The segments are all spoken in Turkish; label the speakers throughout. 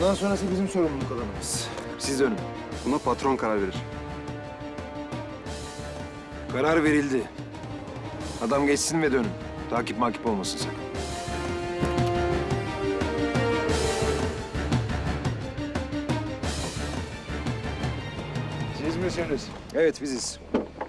Speaker 1: Bundan sonrası bizim sorumluluk alanımız. Siz dönün.
Speaker 2: Buna patron karar verir.
Speaker 1: Karar verildi. Adam geçsin ve dönün. Takip makip olmasın sakın. Siz misiniz? Evet, biziz.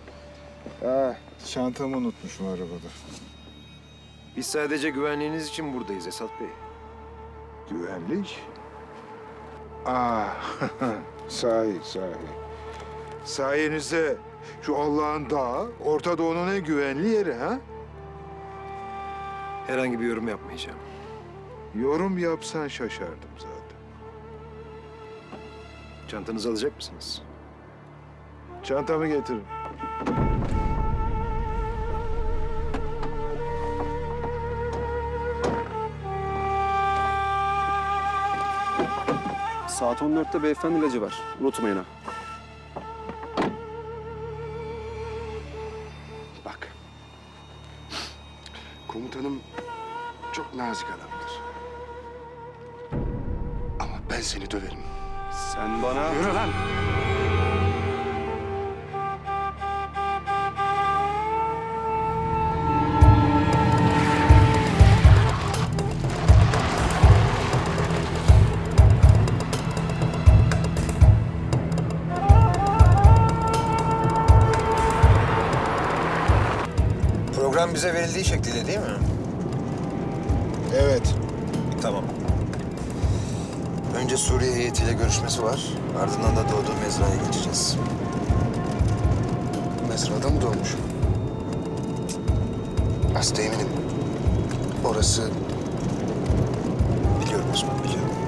Speaker 3: Çantamı unutmuşum arabada.
Speaker 1: Biz sadece güvenliğiniz için buradayız Esat Bey.
Speaker 3: Güvenlik? Aa, sahi. Sayenizde şu Allah'ın dağı, Orta Doğu'nun en güvenli yeri ha?
Speaker 1: Herhangi bir yorum yapmayacağım.
Speaker 3: Yorum yapsan şaşardım zaten.
Speaker 1: Çantanızı alacak mısınız?
Speaker 3: Çantamı getirin.
Speaker 2: Saat 14'te beyefendi ilacı var. Unutmayın ha.
Speaker 4: Bak. Komutanım çok nazik adamdır. Ama ben seni döverim.
Speaker 2: Sen bana...
Speaker 4: Yürü lan!
Speaker 1: Program bize verildiği şekliyle değil mi?
Speaker 3: Evet.
Speaker 1: Tamam. Önce Suriye heyetiyle görüşmesi var. Ardından da doğduğu mezraya geçeceğiz.
Speaker 4: Mezrada mı doğmuş? Hasta eminim. Orası...
Speaker 1: Biliyorum Osman, biliyorum.